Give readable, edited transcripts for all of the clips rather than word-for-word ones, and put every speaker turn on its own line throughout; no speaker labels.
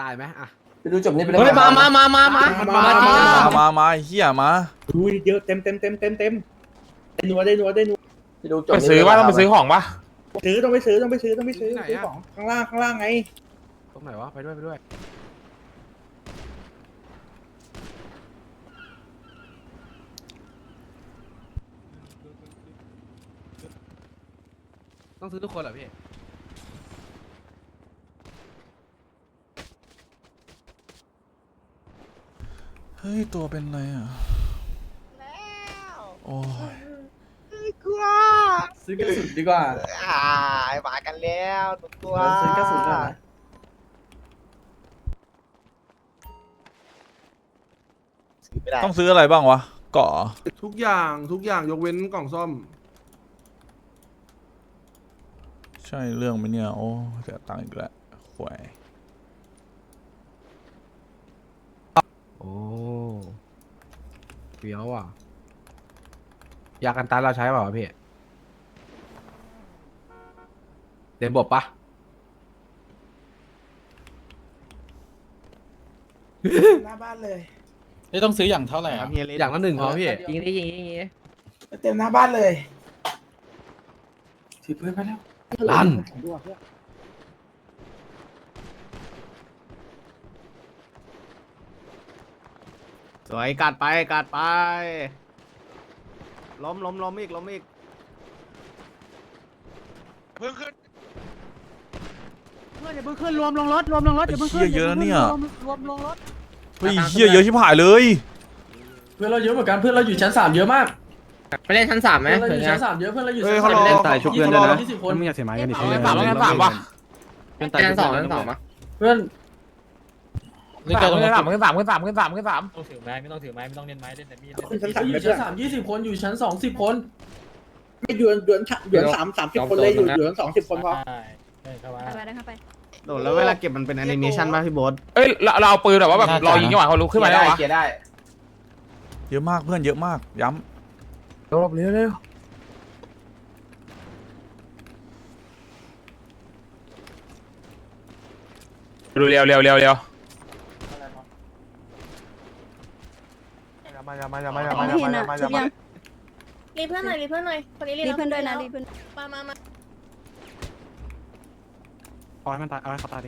ตายไหมอ่ะ
ไปดูจบนี่ไปเลย
เฮ้ยมาเฮียมา
ดูเยอะเต็มได้นัวได้นัว
ไปดูจบ
ไปซื้อว่าต้องไปซื้อของปะ
ต้องไปซื้อของข้างล่างไง
ตรงไหนวะไปด้วยต้องซื้อทุกคนเหรอพี่
เฮ้ยตัวเป็นไรอ่ะโอ้ย
ซื้อกระสุนดีกว่า
มากันแล้วตัว
ซื้อกระสุนก่อนนะ
ไม่ได้
ต้องซื้ออะไรบ้างวะเกาะ
ทุกอย่างยกเว้นกล่องซ่อม
ใช่เรื่องไหมเนี่ยโอ้เสียตังค์อีกแล้วหวย
โอ้เฟี้ยวอ่ะยากันตายเราใช้เปล่าวะพี่เดนบบปะ
หน้าบ้านเลย
นี่ต้องซื้ออย่างเท่าไหร่ครับ
อย่างละ1พอพี่
ยิงดิยิง
เต็มหน้าบ้านเลย
ถือปืนไปแล้ว
ลั่น
สวยกัดไปล้มอีก
เพิ่งขึ้น
อย่าเพิ่งขึ้นรวมลงรถอย่าเพิ่ง
เฮี
ขึ้
ย
น
เยอะนะเนี่ย
รวมลงรถ
เฮ้ยเฮียเยอะชิบหายเลย
เพื่อนเราเยอะเหมือนกันเพื่อนเราอยู่ชั้น3เยอะมาก
ไปเล่นชั้น3ไหม
เพื่อนเราอยู่ชั้น3เยอะเพื่อนเราอยู่ชั้น
เขารอ
3 20 คน
มึงอยากเสียไม้กันดิ
เอาไง
สามวะ
ชั้น2มั้ย
เพื่อน
ขึ้นสาม
ต้องถือไม้ไม่ต้องถือไม้ไม่ต้องเล่นไม้เล่นแต่มีด
อยู่ชั้น3 20 คนอยู่ชั้น2 10 คน
ไม่หยวน30 คนเลยหยวน20 คนพอ
เข้ามา
เข้าไป
โดดแล้วเวลาเก็บมันเป็นแอนิเมชันป่ะพี่โบ๊ท
เอ้ยเราเอาปืนแบบว่าแบบรอยิงจังหวะเขาลุกขึ้นมาได้วะ
เกียร์ได้
เยอะมากเพื่อนเยอะมากย้
เร็ว
ดูเร็ว
รีเพื่อนหน่อยคนนี้รีเพื่อนด้วยนะรีเพื่อนมา
เอาให้มันตายเอาให้เขาตายดิ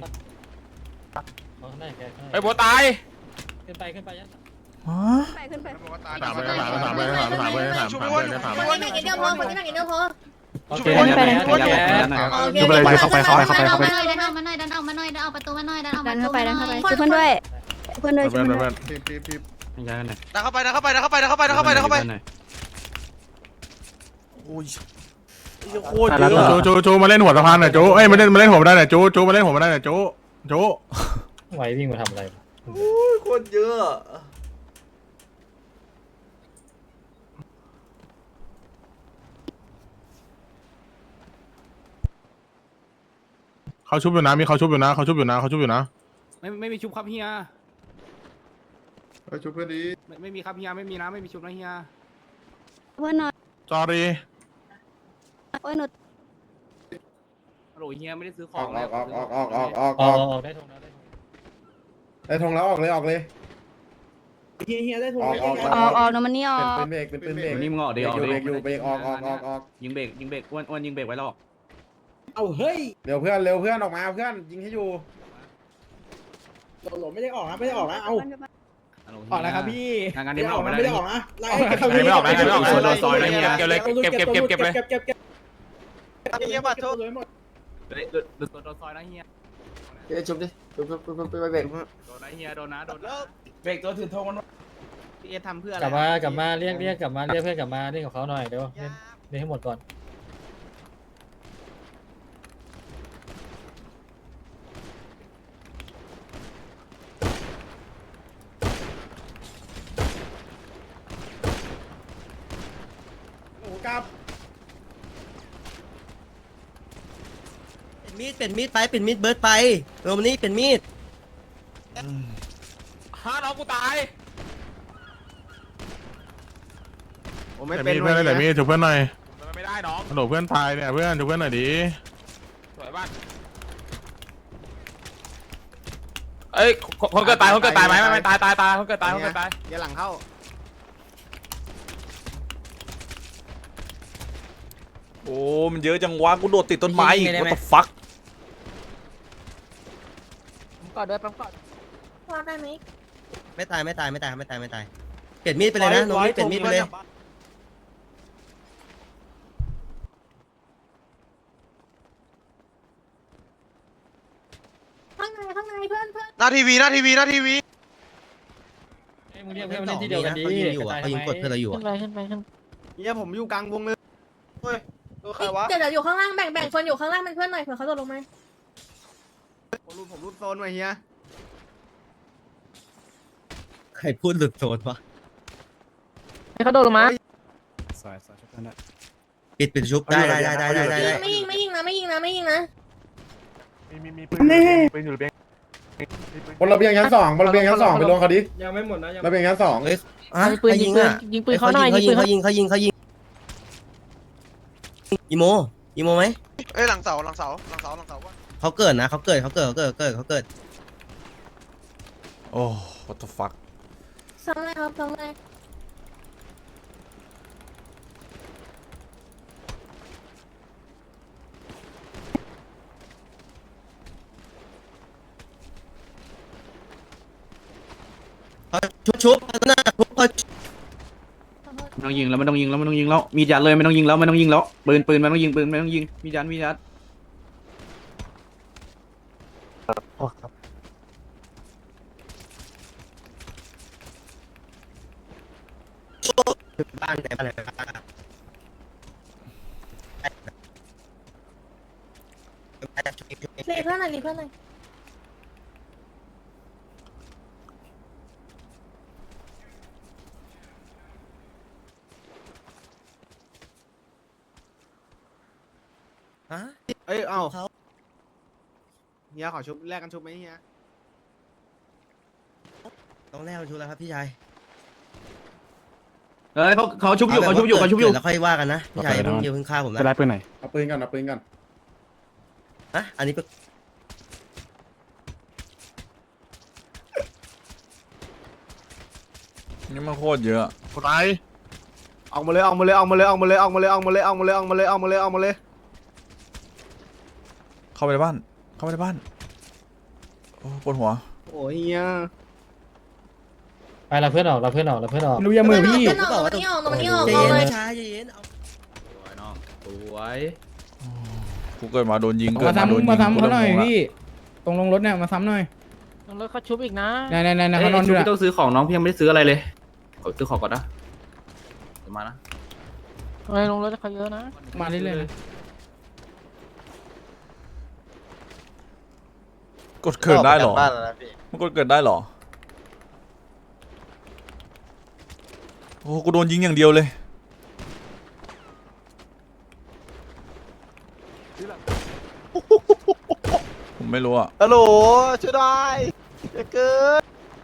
ไอ้
โบตาย
ขึ้นไป
ำ
ยัน
ฮะ
ขึ้นไป
ถามไป
คนนี้หนักกินเดียวพอคนนี้หนักกินเดียวพอ
โอเค
ดูไปเลยเข้าไป
ดันออกมาหน่อยดันออกประตูมาหน่อยดันเข้าไปช่วยเพื่อนด้วยช่วยเพื่อนด้วย
ย้ายกันหน่อย
ดันเข้าไป
โอ้ยเหี้ยโคตรเยอะอะ
โจมาเล่นหัวสะพานหน่อยโจเอ้ยมาเล่นหัวมาได้หน่อยโจมาเล่นหัวมาได้หน่อยโจ
ไหววิ่งมาทำอะไร
โอ้ยโคตรเยอะอะ
เขาชุบอยู่นะมีเขาชุบอยู่นะ
ไม่มีชุบครับเฮีย
ชุบเพื่อนดี
ไม่มีครับเฮียไม่มีนะไม่มีชุบนะเฮีย
เพื่อนหน่อย
จอรี
โอ้ยหนู
โหลเฮียไม่ได้ซื้อของเลย
ออกได้ทงแล้ว
ได้ทงแล้วออกเลย
เฮียได้ทุน
ออกหนูมันนี่ออก
เป็นเบรก
นี่มึงออกเดี๋ยว
เบรกอยู่ออก
ยิงเบรกอ้วนยิงเบรกไว้แล้ว
เอาเฮ้ย
เร็วเพื่อนออกมาเพื่อนยิงให้อยู่
หลไม่ได้ออกนะเอา
ออกแล้วครับพี่งานนี้
ไม่
ไม่ออก
ได้ออกนะไล่
ไม่ออกซอยเก็บเลยเก็บเลย
เฮียมาโทษ
โดนซอยนะเฮีย
เดี๋ยวชุบดิชุบไปเบรก
โดนนะเฮียโดนนะ
เบรกตัวถือธงมัน
พี่เอทำเพื่ออะ
ก
ไร
ลับมาเรียกกลับมาเรียกเพื่อนกลับมาเล่นกับเขาหน่อยเดี๋ยวเล่นให้หมดก่อน
โอ้กับ
เป็นมีดไปเป็นมีดเบิร์ดไปโรมนี่เป็นมีด
ฮ่าน้องกูตาย
ผมไม่
แต่
เป็น
มีเพื่อนแต่มีชุบเพื่อนหน่อย
ไม่ได้น้อง
ฮัลโหลเพื่อนตายเนี่ยเพื่อนชุบเพื่อนหน่อยดิ
สวยบ้านเอ้ยคนเกิดตายคนเกิดตายไหมไม่ตายคนเกิดตายคนเกิดตาย
อย่าหลังเข้า
โอ้มันเยอะจังวะกูโดดติดต้นไม้อีก what the fuck
กอดด้วยปั๊มกอด
ว่าได้ไหม
ไม่ตายเปลี่ยนมีดไปเลยนะน้องมีดเปลี่ยนมีดไปเลย
ข้างในเพื่อน
หน้าทีวี
มึงเรียกเพื่อนมาเล่นที่เดียวกันดี
เขายิงอยู่อ่ะเขายิงกดเพื่อนเราอยู่
ขึ้
อ่ะ
นไปขึ้นไปขึ้น
เนี่ยผมอยู่กลางวงเลยเฮ้ยตัวใครวะ
เดี๋ยวอยู่ข้างล่างแบ่งคนอยู่ข้างล่างเป็นเพื่อนหน่อยเผื่อเขาตกลงมา
ผมรูดโซนไว้เฮียใครพูดหลุดโซนวะ
ให้เขาโดดลงมา
ปิดชุบได้
ไม่ยิงนะ
มีปืนอยู่บนระเบียงชั้น 2บนระเบียงชั้น 2ไปลงเขาดิ
ยังไม่หมดนะยัง
ระเบียงชั้น 2
เฮ้ย
ยิงปืนเขาหน่อย
เขายิงอีโมไหม
เอ้ยหลังเสาว่า
เขาเกิดนะเขาเกิด
โอ้ what the fuck
ซ้ำเลยครับซ้ำเลย
ชุบหน้าชุบ
ไม่ต้องยิงแล้วไม่ต้องยิงแล้วมีดยัดเลยไม่ต้องยิงแล้วปืนไม่ต้องยิงมีดยัด
บ้านไหน
รีเพื่อนหน่อย
ฮะเอ้ยเอาเฮียขอชุบแลกกันชุบไหมเฮียต้องแลกกันชุบแล้วครับพี่ชาย
เอ้ยเขาชุบอยู่
แล้วค่อยว่ากันนะพี่ชายเพิ่งฆ่าผมนะ
จะได้ปืนไหน
เอาปืนกัน
ฮะอันนี้
นี่มันโคตรเยอะ
คนร้าย
ออกมาเลย
เข้าไปในบ้านโอ้ปวดหัว
โอ้ยเฮีย
ไปเราเพื่อนออก
รู้ยังมือพี่
เพื่อนออกมานี่ออก
ใจ
เล
เย็
ย
นช้าใจเย็น
สวย
กูเกิดมาโดนยิง
มาซ้ำเขาหน่อยพี่ตรงลงรถเนี่ยมาซ้ำหน่อย
รถเขาชุบอีกนะ
ไหนเขานอนดูนะ
ต้องซื้อของน้องพี่ยังไม่ได้ซื้ออะไรเลยซื้อของก่อนนะเดี๋ยวมานะ
อะไรลงรถเขาเยอะนะ
มาเรื่อย
กดเกิดได้เหรอมันกดเกิดได้เหรอโอ้กูโดนยิงอย่างเดียวเลยผมไม่รู้อะ
ฮัลโหลช่วยได้จะเกิด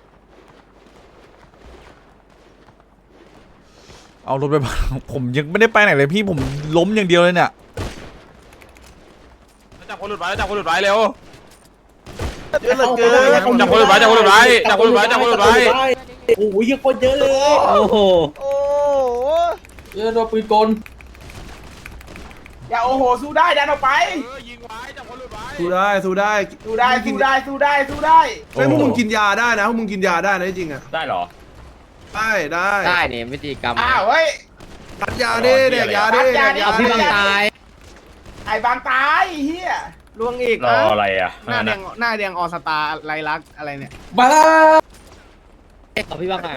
เอารถไปบ้านผมยังไม่ได้ไปไหนเลยพี่ผมล้มอย่างเดียวเลยเนี่ย
จับคนหลุดไว้เร็ว
เยอะเหลือเกิน
จับคนหลุดไว้
โอ้โหเยอะคนเยอะเลย
โอ้โห
เออโดนปืนกลอย่าโอ้โหสู้ได้ดันออกไป
ยิงไว้จับคนหลุดไว้
สู้ได้
ไม่พวกมึงกินยา
ได้นะพวกมึงกินยาได้นะจริงอ่ะ
ได้เหรอ
ได้เนี่ยวิธีกรรม
อ้าวเฮ้ย
ตัดยาดิเด็กยาดิ
เอาพี่บังตาย
ไอ้บางตายเฮีย
ล่วงอีก
รออะไรอ่ะ
หน้าแดงออสตาไรลักอะไรเนี่ย
มาแล้ว
เอาพี่บ้างไง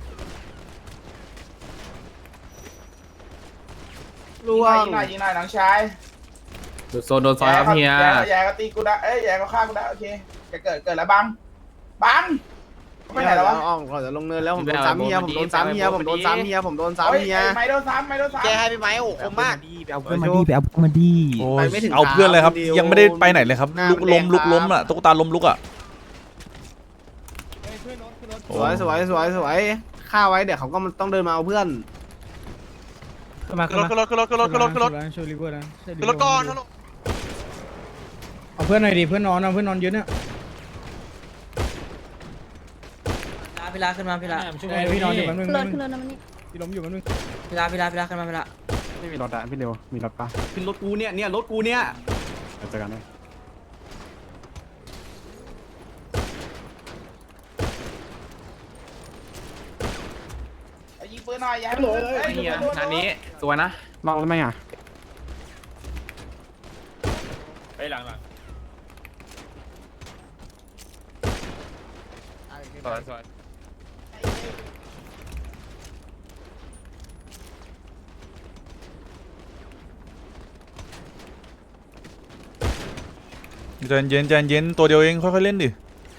ล่วง
ยิงหน่อยน้องชาย
โซนโดนซอยครับเฮีย
แย่ก็ตีกูได้แย่ก็ฆ่ากูได้โอเคจะเกิดแล้วบังไปไหนแล้ววะ
อ้อมก่อนจะลงเนินแล้วผมโดนซ้ำเฮียผมโดนซ้ำเฮียแกให้ไปไหมโอ้คมมาก
เอาเพื่อนมาดี
โอ้
ไป
ย
ไม่ถึง
เอาเพื่อนเลยครับ
ขาคนเดียว
ยังไม่ได้ไปไหนเลยครับ
หน้า
ลุกล้ม
แดง
ลุกล้ม
ครับ
อ่ะตุ๊กตาล้มลุกอ่ะ
สวยฆ่าไว้เดี๋ยวเขาก็ต้องเดินมาเอาเพื่อน
ขึ้นรถ
ช่วยรีเวิร์ดนะ
ขึ้นรถก่อนฮัลโหล
เอาเพื่อนหน่อยดิเพื่อนนอนเยอะเนี่ย
พี่ลาขึ้นมาพี่ลา
ช่วยพี่นอนอยู่แป๊บนึง
ขึ้นรถขึ้นรถนะมันนี่
พี่ล้มอยู่แป๊บนึง
พี่ลาขึ้นมาพี่ลา
ไม่มีรถอะพี่เร็วมีรถปะ
ขึ้นรถกูเนี่ยรถกูเนี่ย
เจอกันได้
ยิงปืนหน่อยอย่าให้มันโดนเลย
นี่งานนี้สวยนะ
ลองแล้วไหมอ่ะ
ไปหลังสวย
ใจเย็นตัวเดียวเองค่อยๆเล่นดิ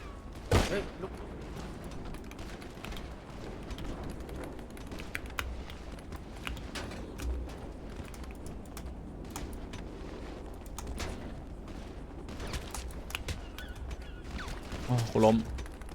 โอ้กูล้ม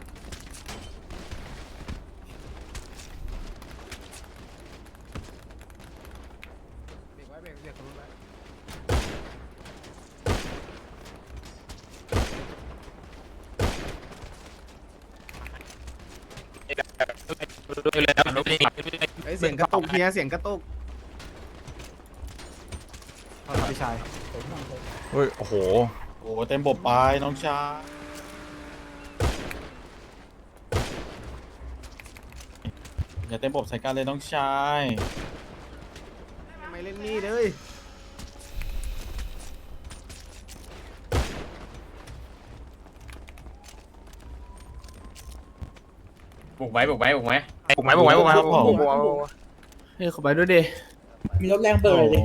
ดูเลยดูเลย
เสียงกระตุกเฮียเสียงกระตุก
พี่ชาย
เฮ้ยโอ้โห
โอ้เต็มบบไปน้องชายอย่าเต็มบบใส่กันเลยน้องชาย
ไม่เล่นนี่เลย
บุกไว้
เฮ้ยขอไปด้วยดิ
มีรถแรงเบอร์เลย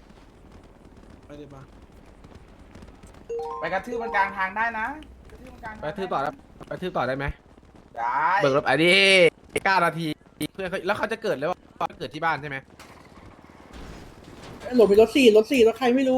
ไปกระทืบมันกลางทางได้นะ
ไปทืบต่อแล้วไปทืบต่อได้ไหม
ได้
เบิกรถไอ้ดิ9 นาทีเพื่อนเขาแล้วเขาจะเกิดแล้วว่าเกิดที่บ้านใช่ไหม
หลบมีรถสี่รถใครไม่รู้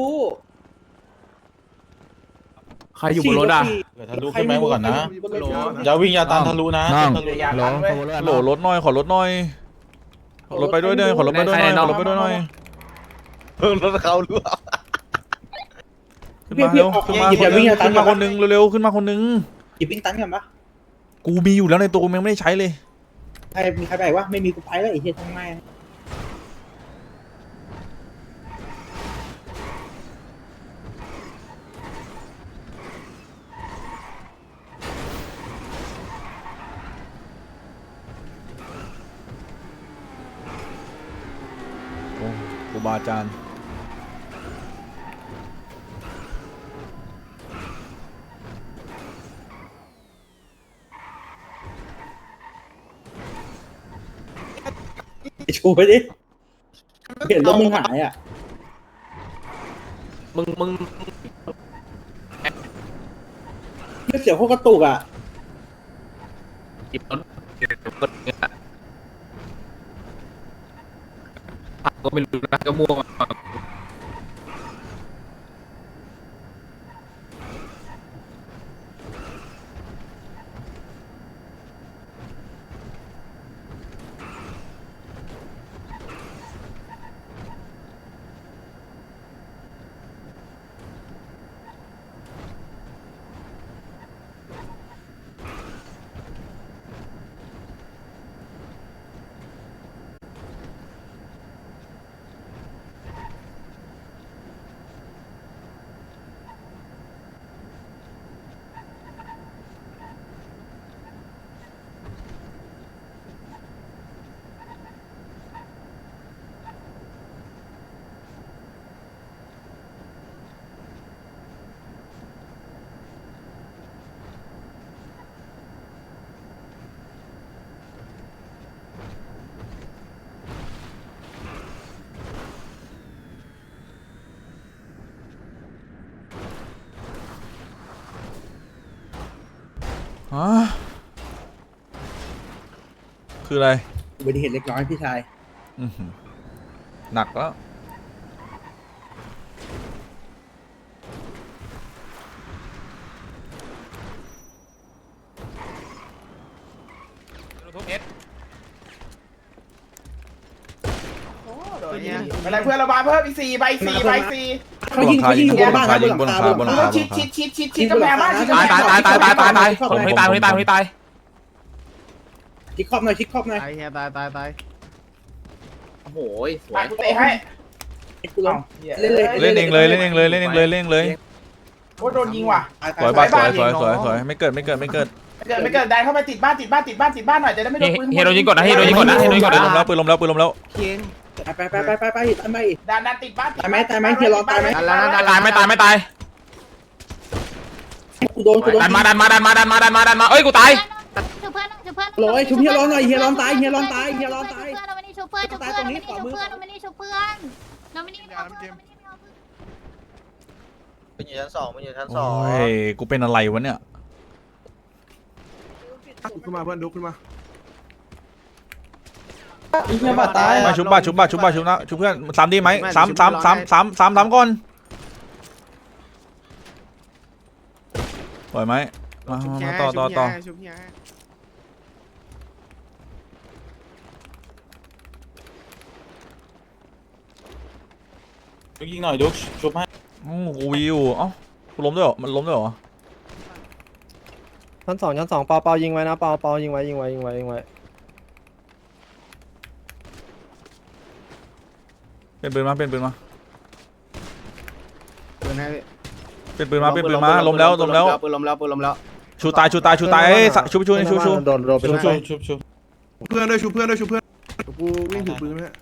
ใครอยู่บนรถอ่ะ
เดี๋ยวทะลุขึ้นไหมก่อนนะอย่าวิ่งอย่าตามทะลุนะ
นั่ง
ทะลุ
อย่าลันเว้ย
โหลรถหน่อยขอรถหน่อยขอรถไปด้วยเด้อขอรถไปด้วยหน่อยขอรถไปด้วยหน่อย
รถเขาหรือเปล่า
ขึ้นมาเร็วขึ้นมาคนนึงเร็วๆขึ้นมาคนนึง
หยิบปิ้งตันกันปะ
กูมีอยู่แล้วในตัวกูยังไม่ได้ใช้เลย
มีใครไปวะไม่มีกูไปแล้วไอ้เหี้ยทำไม
โอ้ครูบาอาจารย์
ชูไปดิเห็นรถมึงหายอ่ะ
มึง
ไม่เสียงพวกกระตุกอ่ะ
หยิบรถก็ไม่รู้นะก็มั่ว
ฮะคืออะไร
อุบัติเหตุเล็กน้อยพี่ชาย
อื้อหือหนักแล้ว
ทุกเอส
อะไรเพื่อนระบายเพิ่มอีก4 ใบ 4 ใบ
เขายิงอยู่บนบ้านนะบนหลังคาบนหลังคา
ชิดกำแพงบ้านชิดกำแพง
ตายผมไม่ตาย
เคิกครอบหน่อยคิกครอบหน่อย
ตายเฮียตาย
โอ้โหสวยกูเตะให้
กูล้ม
เล่นเองเลยเล่นเองเลยเล่นเองเลยเล่นเองเลย
โอ้โดนยิงว่ะ
สวยบ้าสวยไม่เกิด
ไม่เกิดดันเข้าไปติดบ้านหน่อยจะได้ไม่โดนปืน
เฮโรยิงก่อนนะเฮโรยิงก่อนนะเฮโรยิงก่อนนะ
ปืนล้มแล้ว
เคียง
ไปทำไม
ดันติดบ้าน
ตายไหมเฮียร้อนตายไหม
ดันแล้วนะดัน
ตายไม่ตาย
กูโดน
ดันมาเอ้ยกูตาย
ชุบเพื่อนชุบเพื่อน
โอ้ยชุบเฮียร้อนหน่อยเฮียร้อนตาย
เราไม่ได้ชุบเพื่อนเราไม่ได้ชุบเพื่อนเราไม่ได้ชุบเพื่อนเราไม่ได้ชุบเพื่อน
มันอยู่ชั้นสองมันอยู่ชั้นส
โอ้
อง
ยกูเป็นอะไรวะเนี่ย
ขึ้นมาเพื่อนดุขึ้นมา
เฮียมาตาย
มาชุบเพื่อนซ้ำดีไหมซ้ำก่อนปล่อยไหมมาต่อ
ชุบเฮีย
ยิงหน่อยดุ๊กชุบให้
กูวิวเอ้ากูล้มด้วยเหรอมันล้มด้วยเหรอ
ชั้นสองเปายิงไว้นะเปายิงไว้
เป็นปืนมา
ปืนให้
เป็นปืนมาล้มแล้ว
ปืนล้มแล้ว
ชูตายเอ้ยชู
โดนไป
ชุบ
เพื่อนด้วยชูเพื่อนกูวิ่งถือปืนไหมฮะ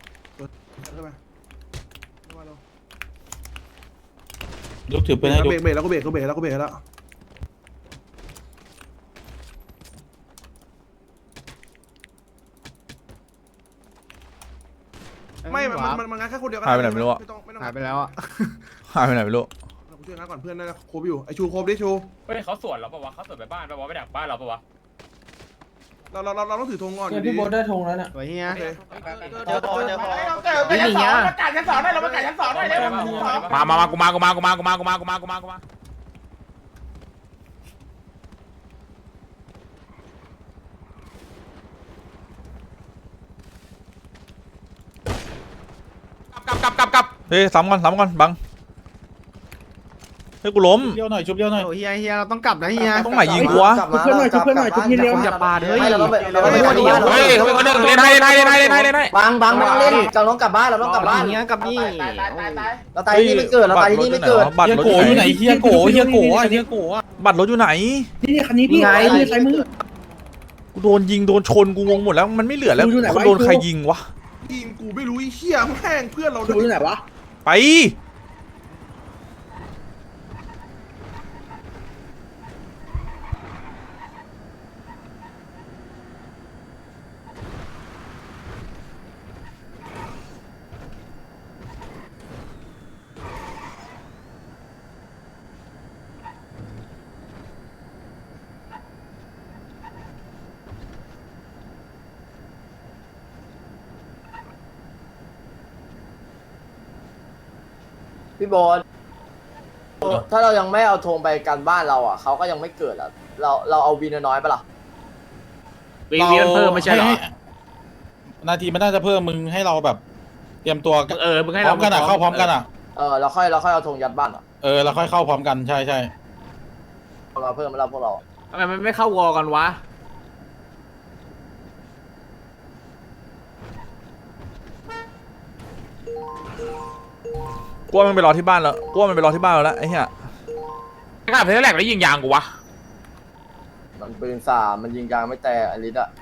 ดุ๊กถือปืนให้ดุ๊ก
เบรกแล้วก็เบรกแล้วไม่มันงัดแค่คนเดียวก็
หายไปไหนไม่รู้อะ
หายไปแล้วอ่ะ
หายไปไหนไม่รู้
กูช่วยงัดก่อนเพื่อนน่าจะโคบอยู่ไอชูโคบดิชู
เฮ้ยเขาสวนเราปะวะเขาสวนไปบ้านปะวะไปดักบ้านเราปะวะ
เราต้องถือธงก่อน
พี่โบได้ธงแล้วเนี่ย
สวยเฮีย
เจอไปชั้นสองเราประกาศชั้นสองได้เราประกาศชั้นสองได้เลย
มากูมากับ
เฮ้ยซ้ำก่อนบังเฮ้ยกูล้ม
เลี้ยวหน่อยชุบเลี้ยวหน่อย
โอ้เฮียเราต้องกลับนะเฮีย
ตรงไหนยิงกูวะ
ชุบเพื่อนหน่อยชุบเฮียเร็ว
อย่าปาดเฮ้ย
เฮ้ยเขาเป็นคนหนึ่งเล่นให้
บังไม่ต้องเล่นเราต้องกลับบ้านเราต้องกลับบ้าน
เฮียกับนี่
เราตายที่ไม่เกิดเราตายที่ไม่เกิด
บัตรรถอยู่ไหน
เฮียโกะ
บัตรรถอยู่ไหน
นี่คันนี้พี่ไงนี่ใช้มือ
กูโดนยิงโดนชนกูงงหมดแล้วมันไม่เหลือแล้ว
กูอยู่ไหนวะ
โดนใครยิงวะ
ยิงกูไม่รู้ไอ้เหี้ยแม่งเพื่อนเรา
ดูอยู่ไหนวะ
ไป
พี่บอลถ้าเรายังไม่เอาธงไปกันบ้านเราอ่ะเขาก็ยังไม่เกิดอ่ะเราเอาวีน้อยปะล่ะ
วีเพิ่มไม่ใช่หรอ
นาทีมันน่าจะเพิ่มมึงให้เราแบบเตรียมตัว
มึงให้
พร้
เรา
อมกันอ่ะเข้าพร้อมกันอ่ะ
เราค่อยเอาธงยัดบ้านอ่ะ
เราค่อยเข้าพร้อมกันใช่
เราเพิ่มมาแล้วพวกเรา
ทำไมมันไม่เข้าวอกันวะ
กูว่ามันไปรอที่บ้านแล้วไอ้เหี้ย
กล้าเพลแรกแล้วยิงยางกูวะ
มันปืน3มันยิงยางไม่แต่อลิสอ่ะ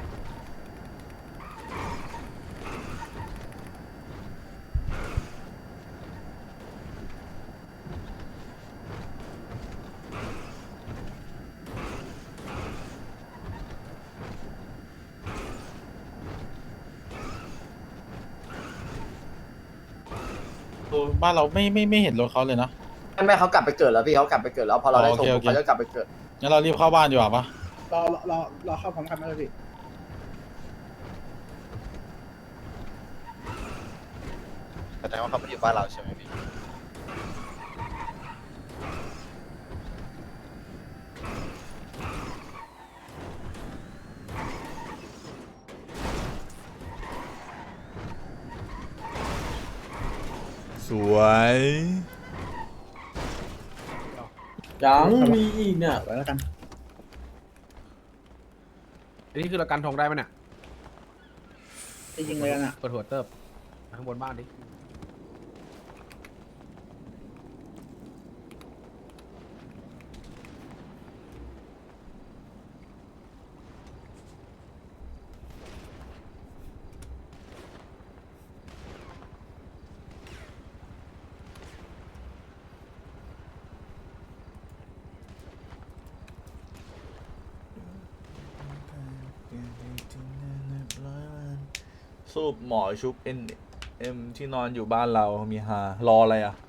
บ้านเราไม่เห็นรถเขาเลยนะ
ไม่เขากลับไปเกิดแล้วพี่เขากลับไปเกิดแล้วพอเราได้ธงเขาจะกลับไปเกิด
งั้นเรารีบเข้าบ้านดีกว่าปะ
รอเข้าพร้อมกันไหมพี่
แสดงว่าเขาไม่อยู่บ้านเราใช่ไหมพี่
สวย
ยังมีอีกเนี่ย
ไว้แล้วกัน
อันนี้คือเรากันธงได้ไหมเนี่ย
จะยิงเลยกันอ่ะ
เปิดหัวเติบข้างบนบ้านดิ
สูบหมอชุบ NM ที่นอนอยู่บ้านเรามีฮารออะไรอ่ะ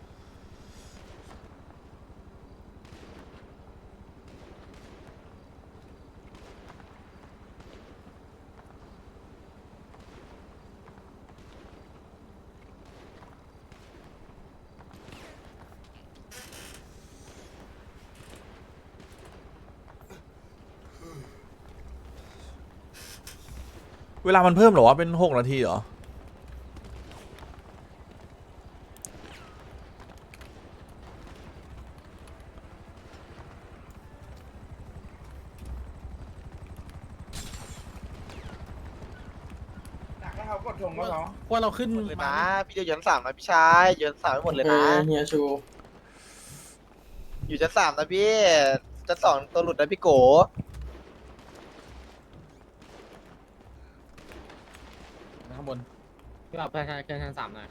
เวลามันเพิ่มเหรอวะเป็น6 นาทีเหรอ
ดักให้เขากดธงก็เขา
ว่าเราขึ้น
เลยนะพี่จะยืน3นะพี่ชายยืน3ไปหมดเลยนะ
เฮียชู
อยู่ชั้น3นะพี่ชั้น2ตัวหลุดนะพี่โก
ข้างบน
พี่บอกเพื่อนชั้น3หน่อย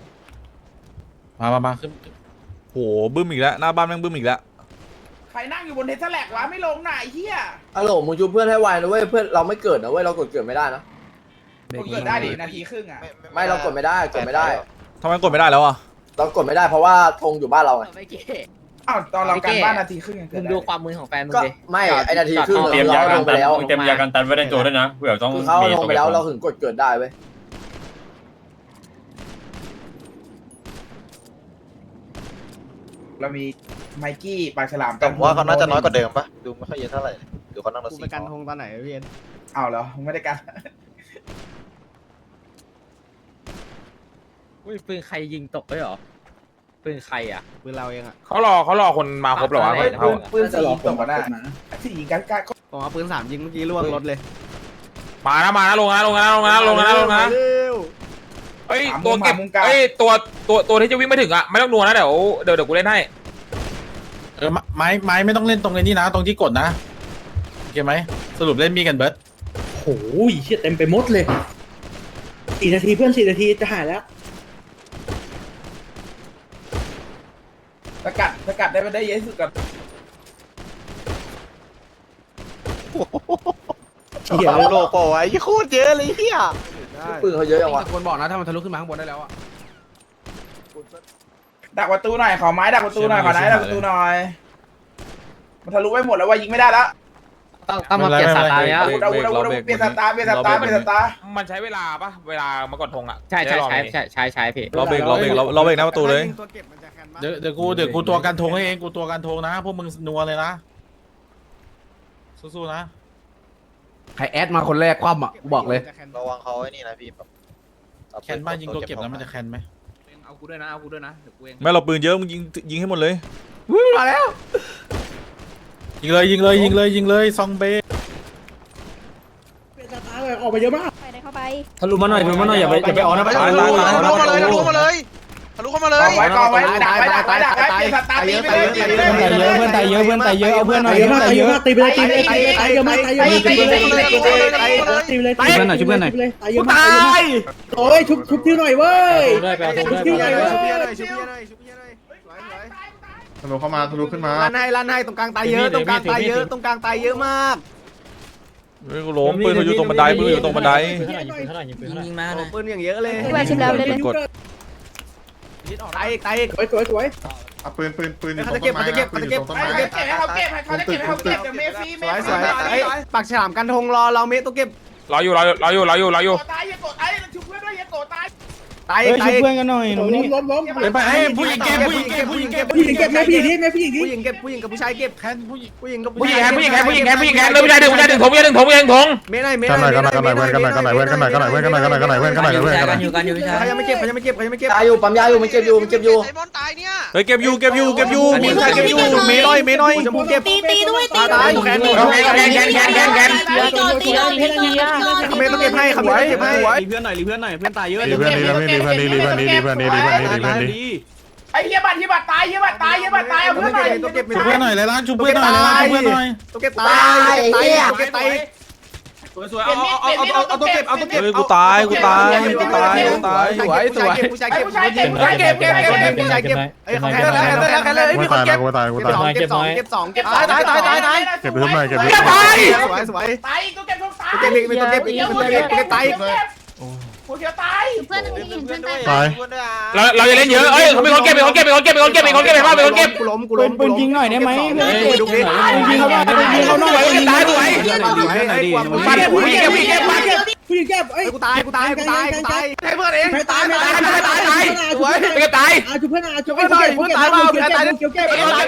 มาขึ้น
โหบึ้มอีกแล้วหน้าบ้านแม่งบึ้มอีกแล้ว
ใครนั่งอยู่บนเทสแลกวะไม่ลงไหนเฮีย
ฮัลโหลมึงชูเพื่อนให้ไวนะเว้ยเพื่อนเราไม่เกิดนะเว้ยเรากดเกิดไม่ได้นะ
กดเกิดได้ดินาทีครึ่งอ่ะ
ไม่เรากดไม่ได้กดไม่ได้
ทำไมกดไม่ได้แล้วอ่ะ
เรากดไม่ได้เพราะว่าธงอยู่บ้านเราไง
อ้าวตอนเราการบ้านนาทีครึ่งยังเกิ
มึ
ด
ง
ได้
ดูความมือของแฟนมึง
ก็
ดิ
ไม่ไอนาทีครึ่ง
เตรียม
เรา
ยา
เอา
กั
ล
น
งไปแล้ว
เต็มยากันตันไว้ในตัวด้วยนะเผื่อต้อง
คือเขาเอาลงไปแล้วเราถึงกดเกิดได้เว้ย
เรามีไมกี้ปลาฉลาม
แต่ผมว่าเขาน่าจะน้อยกว่าเดิมปะดูไม่ค่อยเยอะเท่าไหร่ดูเขานั่งรถ
กู
สี่
ไปกันธงตอนไหนพี่เอ็น
อ้าวเหรอมึงไม่ได้กัน
อุ้ยปืนใครยิงตกด้วยเหรอปืนใครอ่ะ
ปืนเราเองอ่ะ
เขารอคนมาครบเหรอวะ
เฮ้ย
เขา
ปืนสียิงตกมาได้สียิงกันกัน
ผมเอาปืน3ยิงเมื่อกี้ล่วงรถเลย
มานะลงนะเฮ้ยตัวเก็บเฮ้ยตัวที่จะวิ่งไม่ถึงอ่ะไม่ต้องนัวนะเดี๋ยวกูเล่นให้
ไม้ไม่ต้องเล่นตรงนี้นะตรงที่กดนะโอเคไหมสรุปเล่นมีกันเบิร์ด
โอ้ยเชี่ยเต็มไปหมดเลย4 นาทีเพื่อน4 นาทีจะหายแล้ว
สกัดได้ไม่ได้เยอะสุดกับ
เหี้ย
โลโก้ไอ้โคตรเยอะเลยเฮีย
ปืนเขาเยอะจังวะ
คนบอกนะถ้ามันทะลุขึ้นมาข้างบนได้แล้วอ่ะ
ดักประตูหน่อยขอไม้ดักประตูหน่อยขอไม้ดักประตูหน่อยมันทะลุไปหมดแล้วว่ายิงไม่ได้แล้ว
ต้องมาเปลี่ยนสตาร์เนี้ย
เปลี่ยนสตาร์
มันใช้เวลาปะเวลามากดธงอ่ะ
ใช่พี่
เราเบรกหน้าประตูเลย
เดี๋ยวกูตัวกันธงให้เองกูตัวกันธงนะพวกมึงนัวเลยนะสู้ๆนะ
ใครแอดมาคนแรกคว่ำอ่ะกูบอกเลย
ระวังเขาไอ้นี่นะพี่แบบ
แคนบ้านยิงตัวเก็บแล้วมันจะแคนไหม
เอากูด้วยนะเดี๋ยวกูเอง
ไม่เราปืนเยอะมึงยิงให้หมดเลย
มาแล้ว
ยิงเลยซองเบ
เป็นสตาร์เลยออกมาเยอะมาก
ไปได้เข้าไป
ทะลุมาหน่อยอย่าไปออกนะ
ทะลุเข้ามาเลยทะลุเข้ามาเลยทะลุเข้ามาเลย
ไว้กองไว้ดักไว้เปลี่ยนสตาร์ตีไปเลยตีไปเลย
เพื่อนตายเยอะเอาเพื่อนหน่อย
เยอะมากเยอะมากตีไปเลยตีไปเลยตีไปเลยเยอะมากตีไปเลยตีไปเลยตีไปเลยตายเยอะมากโอ้ยชุบชื่อหน่อยเว้ย
ด้วยไปเอาธงด้วย
ชื่อหน่อยเว้ย
ทะลุเข้ามาทะลุขึ้นมา
ลั่นให้ตรงกลางตายเยอะตรงกลางตายเยอะมาก
เฮ้ยกูล้มปืนเขาอยู่ตรงบันไดปืนอยู่ตรงบันได
ยิงมา
ปืนอย่างเยอะเลย
พี่บอยชิมแล้วเลย
กด
ตาย
สวย
เอาปืนอยู่ต
เขา
รง
จะเก็บ
ต้นไม้
เขาจะเก็บ
ปืนอยู่ตรงต้นไม้
ให้เขาเก็บเดี๋ยวเมฟี
สวยปากฉลามกันธงรอเราเมตัวเก็บ
รออยู่
โกตายอย่าโกตายชุบเพื่อนด้วยอย่าโกตาย
ตาย
เฮ้ย
ตา
ช่
ย
วยเพื่อนกันหน่อยหนูนี่ล้ม
ไปผู้หญิงเก็บผู้หญิงเก็บผู้หญิงเก็บ
ผู้หญิงเก็บแม่ผู้หญิงดิแม่ผู้หญิงดิ
ผู้หญิงเก็บผู้หญิงกับผู้ชายเก็บ
แคนผู้หญิง
ผู้หญิงกับ
ผู้หญิงแคนผู้หญิงแคนผู้หญิงแคนผู้หญิงแคนเลยผู้ชายดึงถง
ไม่ได้ไม่
กันหน่อย
ได้
กันหน่อยกันหน่อยกันหน่อยกันหน่อยกันหน่อยเว้ยกันหน่อยกันหน่อยกันหน่อยกันหน่อยกันหน่อยกันหน่อยกันหน่อยกันหน่อย
อยู่กันอยู่ใช่
เขายังไม่เก็บเขายังไม่เก็บเขายังไม่เก็บ
ตายอยู่ปั๊มยาอยู่มันเก็บอยู่มันเก็บอยู่
ไอ้บอลตายเนี่ย
เฮ้ยเก็บอยู่มีผู้ชายเก็บอยู่เมย์น้อยเมย์น้อย
ชมพูเก็บ
ตีด้วยตี
ตาย
แคนแคน
ตีโดน
เมย์ต้องเก็บให้ครับเมย์ต้องเก็บให้
รีเพื่อนหน่อยรีเพื่อนหน่อยเพื่อนตายเยอะ
ดีเพื่อนดีเพื่อนดีเพื่อนดีเพื่อนดีเพื่อนดีเพื่อนดีเพื่อนดีเพื่อนดี
ไอ้เหี้ยบัตรตายเหี้ยบัตรตายเอาเพื่อนหน่อย
ต้องเก็บ
ชุบเพื่อนหน่อยเลยล้างชุบเพื่อนหน่อยเลยล้างชุบเพื่อนหน่อย
ต้องเก็บตายต้องเก็บตาย
สวยเอาตัวเก็บ
เฮ้ยกูตายสวย
ผู้ชายเก็บผู้ชายเก็บผู้ชายเก็บผู้ชายเก็บเอ้ยเขาแค่แล้วแค่เลยมีคนเก็บ
กูตาย
เก็บสองตาย
เก็บไปทุกหน่อยเก็บไป
สวย
ตายตัวเก็บตาย
เก็บอีกตัวเก็บอีกตัวเก็บตาย
กูเดียวตาย
เพื่อนนี่เห็นเพื่อนตาย
ตาย
เราจะเล่นเยอะเอ้ยเขาเป็นคนเก็บไปบ้างเป็นคนเก็บ
กูล้ม
ปืนยิงหน่อยได้ไหมเพื่อน
ดูดิ
ยิงเขาหน่อยยิงเขาหน่อย
ตายสวย
ผู้หญิงเก็บผู้หญิงเก็บเอ้ย
กูตายให้เพื่อนเองตาย
สวยเก็บตาย
อาชุบเพื่อนอาชุบเพื่อนเก็บเก็บ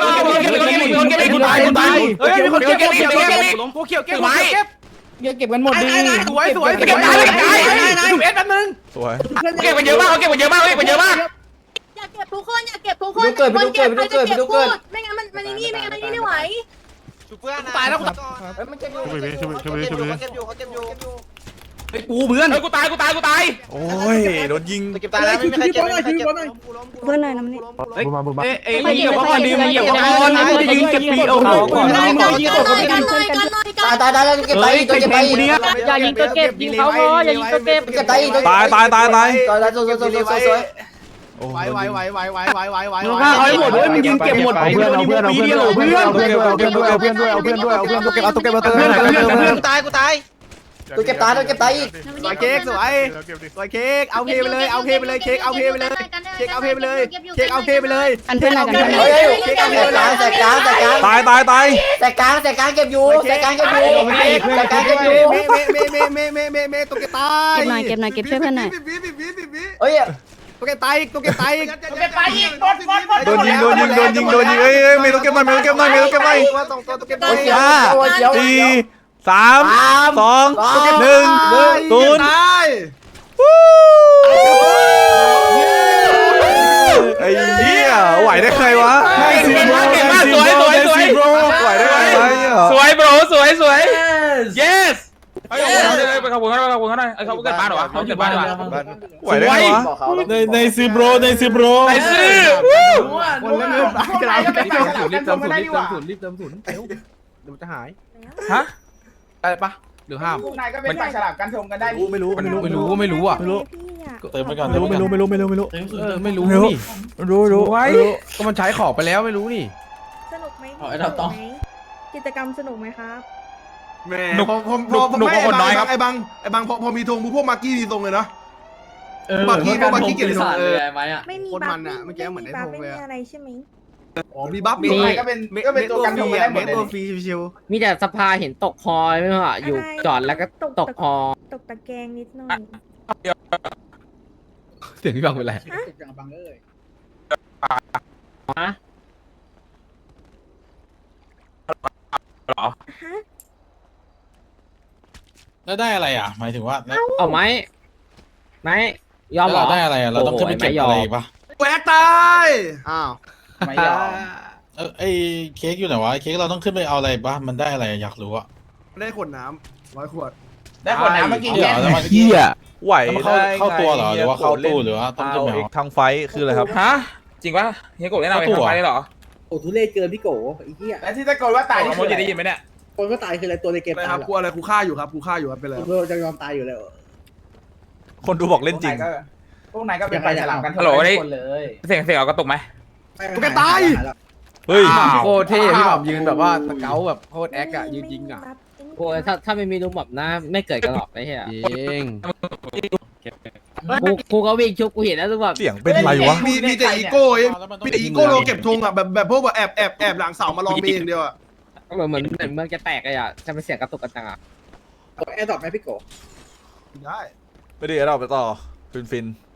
เฮ้ยมีคนเก็บกูเขียวเก็บ
เก็บกันหมดดี
สวยเก็บตายดูเอสแป๊บนึง
สวย
เก็บมันเยอะมากเก็บมันเยอะมากมันเยอะมาก
อย่าเก็บทุกคนอย่าเก็บทุกคนไม่งั้นมันนี่ไม่งั้นไม่ไหว
ชุบเพื่อนนะ
ตายแล้วกู
มันเก็บอยู่
ชุบไปชุบไปชุบไป
เขาเก็บอยู่เขาเก็บอยู่
ไอ้กูเพื่อนกูตาย
โอ้ยโดนยิง
เก็บตายแล้วไม่มีใครเก็บไม่มีใครเก็บ
เพื่อนหน่อยนะมันนี่
เอ้ยเหยียบก่อนดิเหยียบก่อนจะยิงเก็บปีโอ้โหก่อน
กันหน่อย
ตายแล้วเก็บตายตัวเก็บตาย
อย่ายิงตัวเก็บยิงเขาพออย่ายิงตัวเก็บ
เก็บตาย
ตาย
ตายสวย
ไหว
เอาให้หมดด้วยมึงยิงเก็บหมด
เอาเพื่อนตัวเก็บเอา
ตายกูตาย
ตัวเก็บตายอีก
สวยเค้กสวยเค้กเอาเพไปเลยเค้กเอาเพไปเลยเค้กเอาเพไปเลย
อันเพื่อนอะไรกัน
เฮ้ยแตกกลาง
ตาย
แตกกลางเก็บอยู่แตกกลางเก็บอยู่
เมตัวเก็บตาย
เก็บหน่อยเก็บช่วยเพื่อนหน่อย
เฮ้ย
ตัวเก็บตายตัวเก็บตาย
ตัวเก็บตายอีกบอล
โดนยิงเอ้ยไม่ต้องเก็บหน่อยตัวเก็บหน่อย
สองตัวตัวเก็บ
ตัวเขียว
4 3 2 1 0ไอ้เหี้ยไหวได้ใครวะ
เก่งมากสวย
ไหวได้ใครวะ
สวยโบรสวย yes ไปขอบคุณเขาหน่อยเขาเกิดบ้านหรอวะเขาเกิดบ้านหรอวะ
ไหวได้ไงวะ
บอกเขา
ในซื้อโบรในซื้อโบร
ไอ้ซื้อ
คนเล่นเงินกระดาษรีบเติมศูนย์เดี๋ยวจะหาย
ฮะ
อะไรปะหรือห้าม
พวกนายก็เป็นปากฉลามกันชมกันได้
ไม่รู้อ่ะ
เติมไปก่อนไม่รู้
ไม่รู้ไว้ก็มันใช้ของไปแล้วไม่รู้นี่
สนุกไหมกิจกรรมสนุกไหมครับ
หนุกกว่าคนน้อยครับ
ไอ้บังพอมีธงพวกมากี้ดีตรงเลยเนาะ
มากี้เก็บสารเลยไหมอ่ะ
ไม่มี
คนมันอ่ะเมื่อกี้เหมือนได้ธงเลย
อะไรใช่ไหม
อ๋อมีบัฟ
พวกนายก็เป็นตัวกันชมกันได้หมดเลย
ตัวฟรีชิว
มีแต่สภาเห็นตกคอยไม่ว่าอยู่จอดแล้วก็ตกคอ
ตกตะแกรงนิดหน่อย
เสียงพี่บังเป็นไร
ฮะ
แล้วได้อะไรอ่ะหมายถึงว่า
เอาไหมยอมหรอ
ได้อะไรอ่ะเราต้องขึ้นไปเก็บอะไรปะ
แหวกตายอ้าว
ไม่ยอม
ไอ้เค้กอยู่ไหนวะเค้กเราต้องขึ้นไปเอาอะไรปะมันได้อะไรอยากรู้อ่ะ
ได้ขวดน้ำ100 ขวด
ได้คนน้ำเมื่อกี้
เดี๋ยวแล้วมัน
ไหว
เข้าตัวเหรอหรือว่าเข้าตู้หรือว่าต้องขึ้นไปเอา
ทางไฟคืออะไรครับ
ฮะจริงปะเฮียโกะแนะนำไปทำไมได้หรอ
โอ้ทุเรศเกินพี่โกไอ้เหี้ย
และที่ตะโกนว่าตายนี่
โมจิได้ยินไหมเนี่ย
คนก็ตายคืออะไรตัวในเกม
อะไร
ตาย
ครับกูอะไรกูฆ่าอยู่ครับเป็นไร
เราจะยอมตายอยู่แล้ว
คนดูบอกเล่นจริง
พวกนายก็เป็นปากฉลามกันชมคนเลย
เสียงเอากระตุกไหม
ตัวแกตาย
เฮ้ย
โคตรเท่พี่หม่ำยืนแบบว่าสเกลแบบโคตรแอคอะยืนยิงอะ
โอ้ยถ้าไม่มีลุงแบบนะไม่เกิดกันหรอกไอ้เหี้ย
จริง
กูก็วิ่งชุบกูเห็นแล้วลุงแบบ
เสียงเป็นไรวะ
มีแต่อีโก้มีแต่อีโก้เราเก็บธงอ่ะแบบพวกแบบแอบหลังเสามาลองเองเดียวอ่ะ
เหมือนเมืองจะแตกเลยอ่ะจะเป็นเสียงกระตุกกันจังอ่ะ
แอร์ดรอปไหมพี่โก
ได้
ไม่ดีเราไปต่อฟิน